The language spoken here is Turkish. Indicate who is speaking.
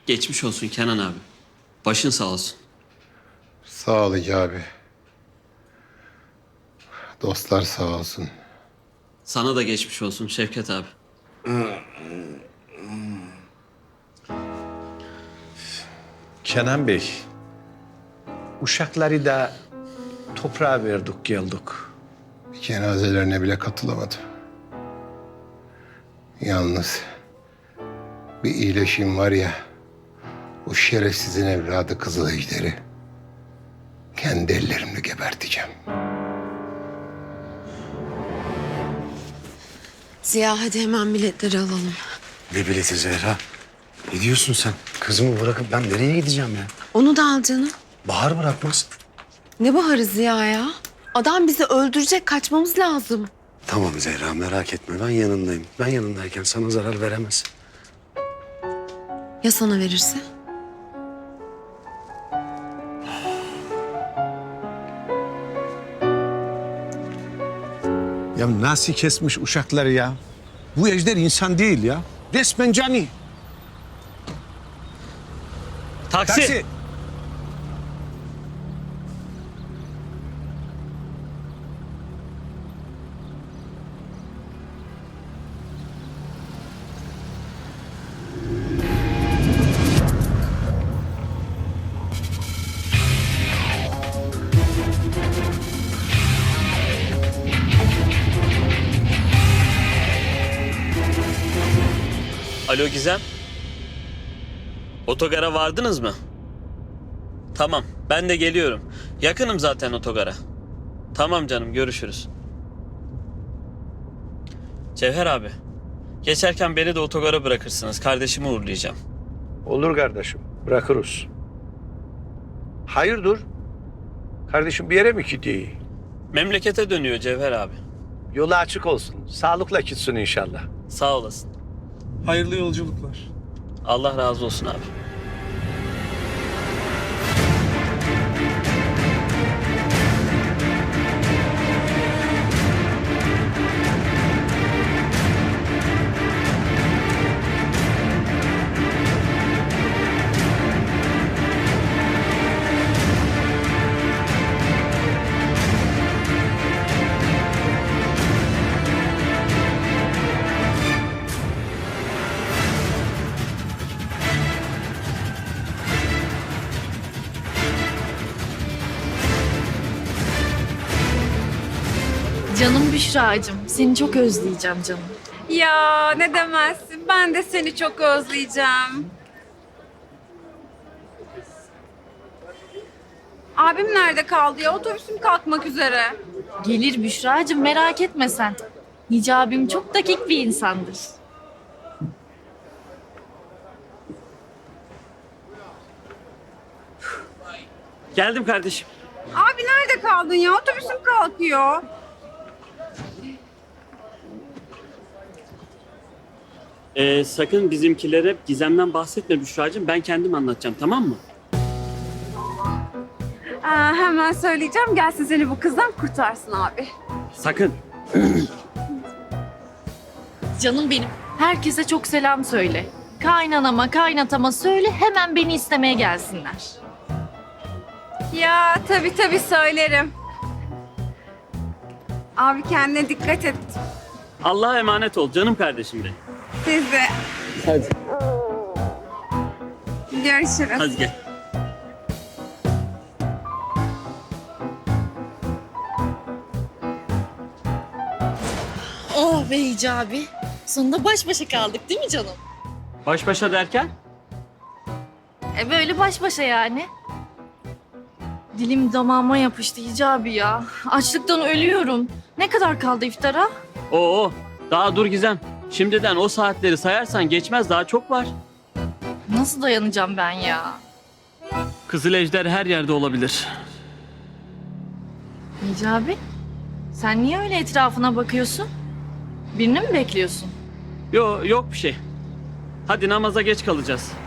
Speaker 1: Geçmiş olsun Kenan abi. Başın sağ olsun.
Speaker 2: Sağ ol abi. Dostlar sağ olsun.
Speaker 1: Sana da geçmiş olsun Şevket abi.
Speaker 3: Kenan Bey, uşakları da toprağa verdik geldik.
Speaker 2: Cenazelerine bile katılamadım. Yalnız bir iyileşim var ya, o şerefsizin evladı Kızıl Ejder'i kendi ellerimle geberteceğim.
Speaker 4: Ziya hadi hemen biletleri alalım.
Speaker 5: Ne bileti Zehra? Ne diyorsun sen? Kızımı bırakıp ben nereye gideceğim ya?
Speaker 4: Onu da al canım.
Speaker 5: Bahar bırakmaz.
Speaker 4: Ne baharı Ziya ya? Adam bizi öldürecek, kaçmamız lazım.
Speaker 5: Tamam Zehra merak etme ben yanındayım. Ben yanındayken sana zarar veremez.
Speaker 4: Ya sana verirse?
Speaker 3: Ya nasıl kesmiş uşakları ya? Bu ejder insan değil ya. Resmen cani.
Speaker 1: Taksi. Alo Gizem. Otogara vardınız mı? Tamam, ben de geliyorum. Yakınım zaten otogara. Tamam canım, görüşürüz. Cevher abi, geçerken beni de otogara bırakırsınız. Kardeşimi uğurlayacağım.
Speaker 3: Olur kardeşim, bırakırız. Hayırdır? Kardeşim bir yere mi gidiyor?
Speaker 1: Memlekete dönüyor Cevher abi.
Speaker 3: Yolu açık olsun. Sağlıkla gitsin inşallah.
Speaker 1: Sağ olasın.
Speaker 6: Hayırlı yolculuklar.
Speaker 1: Allah razı olsun abi.
Speaker 7: Canım Büşra'cığım, seni çok özleyeceğim canım.
Speaker 8: Ya ne demezsin. Ben de seni çok özleyeceğim. Abim nerede kaldı ya? Otobüsüm kalkmak üzere.
Speaker 7: Gelir Büşra'cığım, merak etme sen. Hicabim çok dakik bir insandır.
Speaker 1: Geldim kardeşim.
Speaker 8: Abi nerede kaldın ya? Otobüsüm kalkıyor.
Speaker 1: Sakın bizimkilere Gizem'den bahsetme Büşra'cığım. Ben kendim anlatacağım, tamam mı?
Speaker 8: Hemen söyleyeceğim. Gelsin seni bu kızdan kurtarsın abi.
Speaker 1: Sakın.
Speaker 7: Canım benim, herkese çok selam söyle. Kaynanama, kaynatama söyle, hemen beni istemeye gelsinler.
Speaker 8: Ya tabii söylerim. Abi kendine dikkat et.
Speaker 1: Allah'a emanet ol canım kardeşim benim.
Speaker 8: Siz de.
Speaker 1: Hadi.
Speaker 8: Görüşürüz.
Speaker 1: Hadi gel.
Speaker 7: Oh be Hicabi, sonunda baş başa kaldık değil mi canım?
Speaker 1: Baş başa derken?
Speaker 7: Böyle baş başa yani. Dilim damağıma yapıştı Hicabi ya. Açlıktan ölüyorum. Ne kadar kaldı iftara?
Speaker 1: Oo, daha dur Gizem. Şimdiden o saatleri sayarsan geçmez, daha çok var.
Speaker 7: Nasıl dayanacağım ben ya?
Speaker 1: Kızıl Ejder her yerde olabilir.
Speaker 7: Hicabi, sen niye öyle etrafına bakıyorsun? Birini mi bekliyorsun?
Speaker 1: Yok bir şey. Hadi namaza geç kalacağız.